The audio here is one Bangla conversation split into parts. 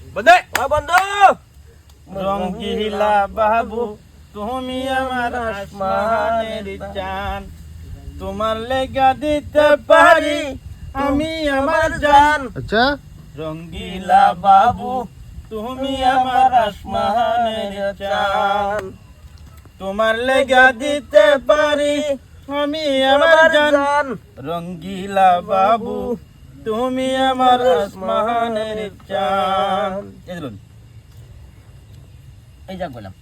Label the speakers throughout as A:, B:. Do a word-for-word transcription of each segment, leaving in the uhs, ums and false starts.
A: বন্ধু
B: ও বন্ধু
A: রঙ্গিলা বাবু তুমি আমার আসমানের চাঁদ তোমার লেগা দিতে পারি আমি আমার জান
C: আচ্ছা
A: রঙ্গিলা বাবু তুমি আমার আসমানের চাঁদ তোমার লেগা দিতে পারি আমি আমার জান রঙ্গিলা বাবু তুমি আমার আসমানের চাঁদ
B: এই যা বললাম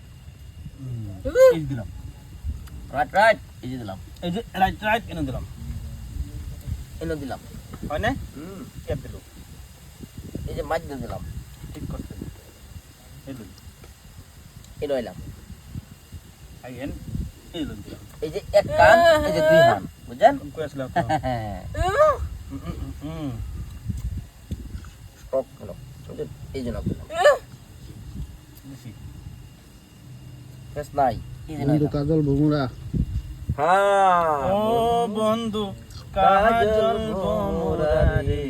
A: এই দিলাম
B: রাইট রাইট এই যে দিলাম
A: এই যে রাইট রাইট এনে দিলাম
B: এনে দিলাম
A: হয় না
B: হুম
A: কেপ দিল
B: এই যে মাছ দিয়ে দিলাম
A: ঠিক করতে এই দিল
B: এটা হইলাম
A: আইন এই দিল দিলাম
B: এই যে এক কান এই যে দুই হান বুঝছেন
A: কই আসলে তো হুম
B: স্টক হলো বুঝছেন এই জন্য দিলাম
A: বেশি
B: ফেস নাই এই যে
C: বন্ধু কাজল ভুমরা
B: হ্যাঁ
A: ও বন্ধু কাজল ভোমরা রে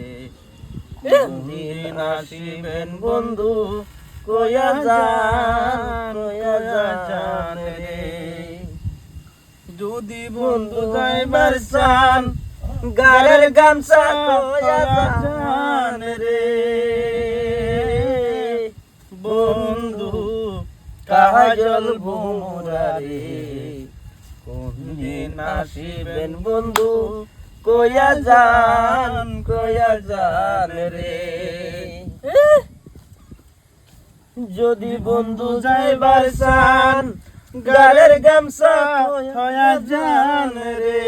A: দিন আসিবেন বন্ধু কয়া যান কয়া যান রে যদি বন্ধু যাইবার চান
B: গারের গামছা
A: কয়া যান রে বন্ধু কাজল ভোমরা রে কোন দিন আসিবেন বন্ধু কয়া যান কয়া যান রে যদি বন্ধু যাইবার চান গালের গামছা কয়া যান রে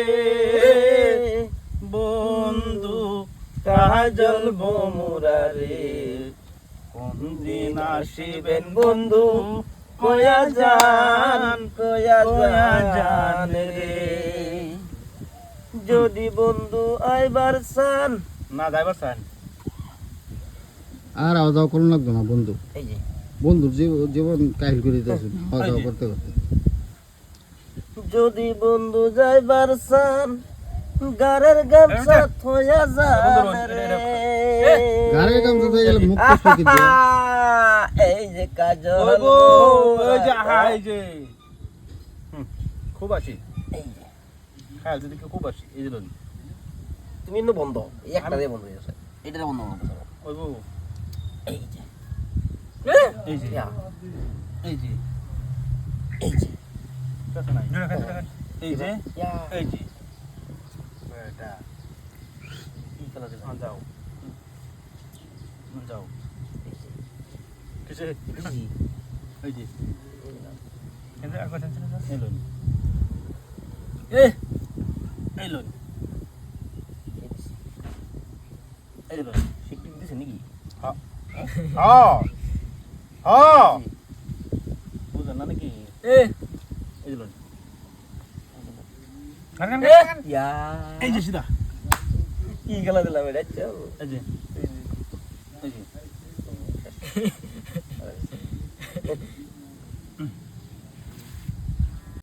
A: বন্ধু কাজল ভোমরা রে কোন দিন আসিবেন বন্ধু কয়া যান কয়া যান রে যদি বন্ধু আইবার চান না যাইবার চান
C: আর আওয়া যাওয়া করুন লাগতো না বন্ধু
B: এই যে
C: বন্ধুর জীব- জীবন কাহিল করে দিতেছে আওয়া যাওয়া করতে করতে
B: যদি বন্ধু যাইবার চান গারের গামছা থয়া যান রে
C: গাড়ির কাম তো গেলে মুখ কষ্ট কি দিয়ে
B: আহা, এই যে কাজল
A: ওই গো ওই যে
B: ভোমরা।
A: হাই যে হুম, খুব আছি
B: এই যে
A: খায়াল যদি খুব আছি এই যে লন
B: তুমি ইন্ন বন্ধ এই একটা দিয়ে বন্ধ হয়ে গেছে এটা বন্ধ করতে
A: ওই গো
B: এই যে
A: এই যে
B: ইয়া,
A: এই যে
B: এই যে
A: কথা নাই এই যে
B: ইয়া,
A: এই যে এটা
B: কি কালার দিলাম?
A: আন যাও আন যাও
B: এই যে,
A: কিসে
B: এই যে,
A: এই যে
B: এই দিলাম।
A: কিন্তু আর কথা ছিল এই লন এ এই লন
B: এই দিছি।
A: এই লন
B: শিকটিক দিছে নাকি?
A: হ্যাঁ হ্যাঁ হ্যাঁ বুঝলেন না নাকি এ এই লন
B: ইয়া,
A: এই যে সিধা
B: কি কালার দিলাম এটা? চল।
A: এই যে এই যে